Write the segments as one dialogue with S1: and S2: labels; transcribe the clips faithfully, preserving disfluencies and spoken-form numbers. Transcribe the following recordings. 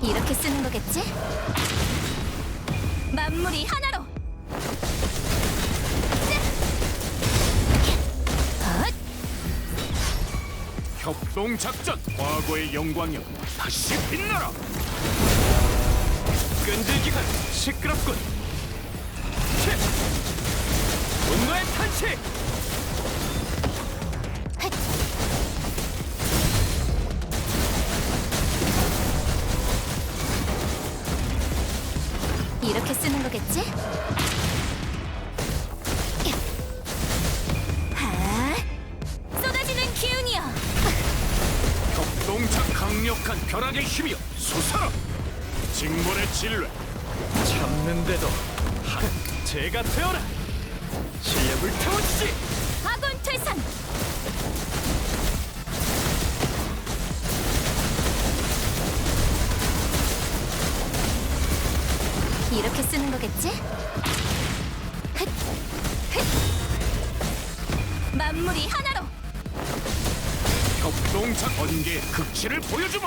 S1: 이렇게 쓰는 거겠지? 만물이 하나로! 헛!
S2: 협동작전! 과거의 영광이여 다시 빛나라! 끈질기간 시끄럽군! 치! 분노의 탄식!
S1: 헛! 이렇게 쓰는 거겠지? 하! 쏟아지는 기운이여!
S2: 협동작 강력한 벼락의 힘이여 솟아라! 징벌의 진뢰 참는데도 한 제가 되어라! 실력을 태워주지!
S1: 아군 퇴산! 이렇게 쓰는 거겠지? 흑! 흑! 만물이 하나로!
S2: 협동작 번개의 극치를 보여주마!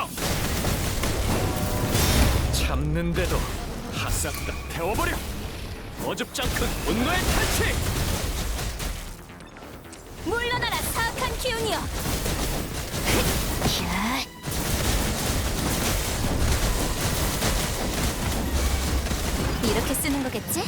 S2: 참는데도 하싹 다 태워버려! 어줍지 않군 분노의 탄식!
S1: 물러나라 사악한 기운이여! 흑! 야! 이렇게 쓰는 거겠지?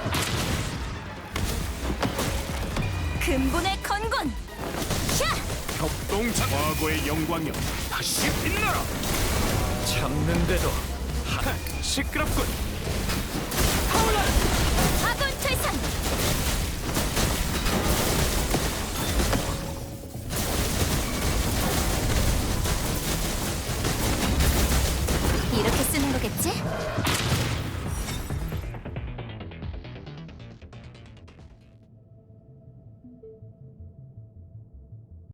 S1: 근본의 건곤! 샤!
S2: 협동작 과거의 영광이여 다시 빛나라! 참는데도 하 시끄럽군! 타올라라!
S1: 아군 퇴산! 이렇게 쓰는 거겠지?